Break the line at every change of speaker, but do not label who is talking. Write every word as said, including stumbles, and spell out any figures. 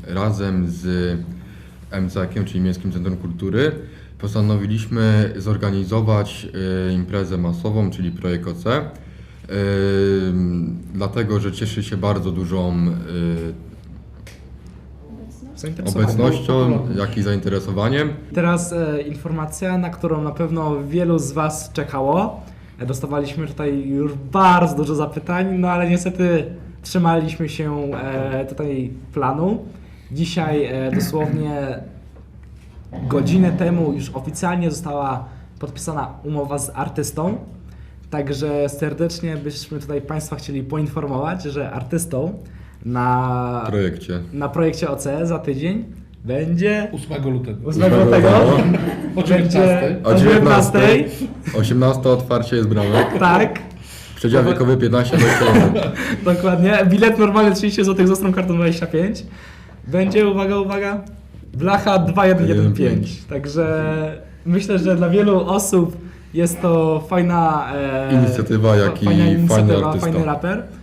razem z M C E-kiem, czyli Miejskim Centrum Kultury, postanowiliśmy zorganizować y, imprezę masową, czyli Projekt O C. Y, dlatego, że cieszy się bardzo dużą y, obecnością, jak i zainteresowaniem.
Teraz e, informacja, na którą na pewno wielu z Was czekało. E, dostawaliśmy tutaj już bardzo dużo zapytań, no ale niestety trzymaliśmy się e, tutaj planu. Dzisiaj e, dosłownie godzinę temu już oficjalnie została podpisana umowa z artystą. Także serdecznie byśmy tutaj Państwa chcieli poinformować, że artystą na
projekcie.
na projekcie O C za tydzień będzie
ósmego lutego.
ósmego lutego
O dziewiętnastej.
o dziewiętnastej.
osiemnasta otwarcie jest bramek.
Tak,
Przedział wiekowy piętnaście do dwudziestu.
dokładnie. Bilet normalny trzydzieści złotych, z ostrą kartą dwadzieścia pięć. Będzie, uwaga, uwaga, blacha dwa jeden jeden pięć. Także myślę, że dla wielu osób jest to fajna e,
Inicjatywa, jak i
fajna
fajny
inicjatywa,
artysta.
fajny raper.